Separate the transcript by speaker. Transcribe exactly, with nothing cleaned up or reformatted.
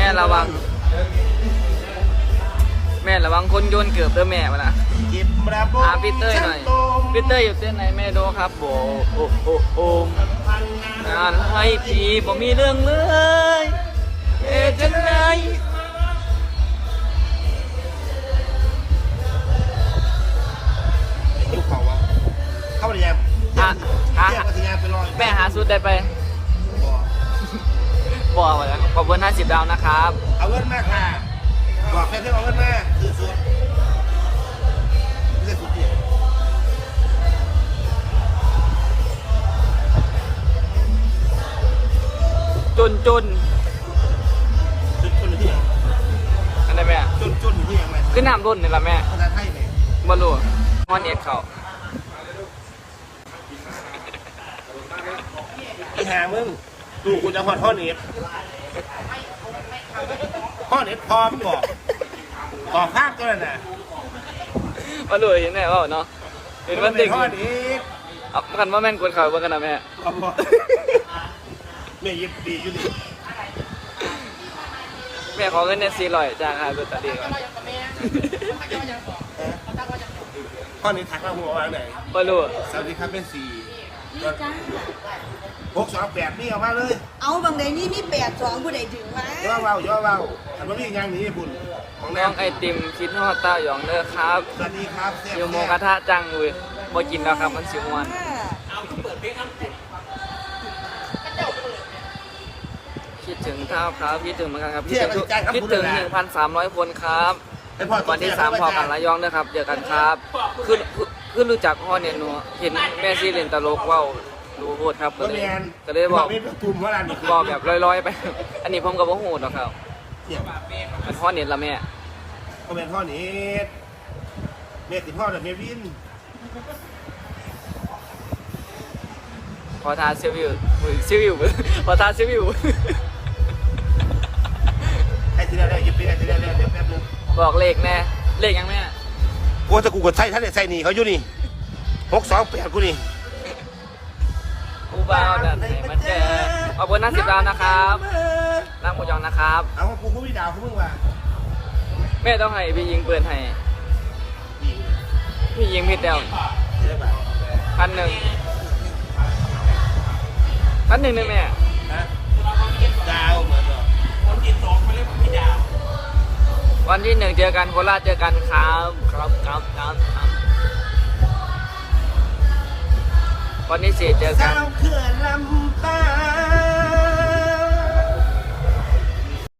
Speaker 1: ม่ระวังแม่ระวังคนโยนเกือบเด้อแม่มาละหาพี่เต้ยหน่อยพี่เต้ยอยู่เต้นไหนแม่ดูครับโบโอโอโอมงานให้พี่บ่มีเรื่องเลยเอ๊ะจังไง
Speaker 2: ยุคเขาวะเข้าไปยังหาหา
Speaker 1: แม่หาสุดได้ไปบอกมาแล้วขอบคุณห้าสิบดาวนะครับ
Speaker 2: เอาเงินมากค่ะบอกแค่เพื่อนเอาเงินมากคือสุดไม่ใช่สุดเดียว
Speaker 1: จุนจุน
Speaker 2: จุนจุนที่ไหน
Speaker 1: อันไหนแม่
Speaker 2: จุนจุนที่ยังไง
Speaker 1: ขึ้นน้ำรุ่นนี่ละแม่
Speaker 2: ภาษาไทยเนี่ย
Speaker 1: บอลลูนฮอนเอ็ดเขา
Speaker 2: อีหามึงดูกูจะพอท่อเน็ตท่อเน็ตพร้อมบอกต่อภาคก็แล้วนะ
Speaker 1: บอลลูนเห็นไหมว่าเนาะเห็นว่าเด็ก
Speaker 2: ท่อเน็ต
Speaker 1: เอาคันว่าแม่นกวนเขาบ้างกันนะแม่
Speaker 2: แม่ยิบดีอยู่ดิ
Speaker 1: แม่ขอเงินเนี่ยสี่ร้อยจ้างค่ะตัวตัดดีก่อน
Speaker 2: ท่อเน็ตทักมาหัววางไหน
Speaker 1: บอลลูน
Speaker 2: สวัสดีครับเป็นสี่หกสองแปดนี่เอามาเลย
Speaker 3: เอาบางใดนี่มีแปดสองผู้ใดถึงมา
Speaker 2: ย่อเบาย่อเบาอันว่ามีงานหนีญี่ปุ่นของ
Speaker 1: น้องไอติมคิดฮอดเต้าหยองเด้อครับ
Speaker 2: สวัสดีครับ
Speaker 1: โยโมกระทะจังเลยบ่กินแล้วครับมันสิม่วนคิดถึงเท้าครับคิดถึงเหมือนกันครับคิดถึงคิดถึงหนึ่งพันสามร้อยคนครับวันที่สามพอกันระยองนะครับเจอกันครับคือคือรู้จักพ่อเนี่ยหนูเห็นแม่ซีเล่นตลกว้าวดูโหดครับก็เลยก็เลยบอกบอกแบบลอยๆไปอันนี้ผมกับว่าโหดหรอกครับมันพ่อเนี่ยละแม่
Speaker 2: ก็เป็นพ่อเน็ตเน็ตติดพ่อแต่เมวิน
Speaker 1: พอทาซิวิวซิวิวพอทาซิวิว
Speaker 2: ไอ้ทีละเรื่องยิบไปไอ้ทีละเรื่องเดี๋ยวแป๊บนึง
Speaker 1: บอกเลขแน่เลขยังแม่
Speaker 2: กูจะกูกดใส่ท่านเนี่ยใส่หนีเขาอยู่นี่หกสองแปดกูนี่
Speaker 1: กูบ้าดันไหนมันเจอขอบคุณนักสิบดาวนะครับรักหมูยองนะครับ
Speaker 2: เอากูกูพี่ดาวกูมึงว่ะ
Speaker 1: แม่ต้องให้พี่ยิงเปิดให้พี่ยิงพี่เดวพันหนึ่งพันหนึ่งเลยแม่
Speaker 2: ดาวเหมือนเหรอวันที่สองมาเรียกพี่ดาว
Speaker 1: วันที่หนึ่งเจอกันโคราชเจอกันครับครับครับครับครับวันที่สี่เจอกัน
Speaker 2: เขื่อนลำปา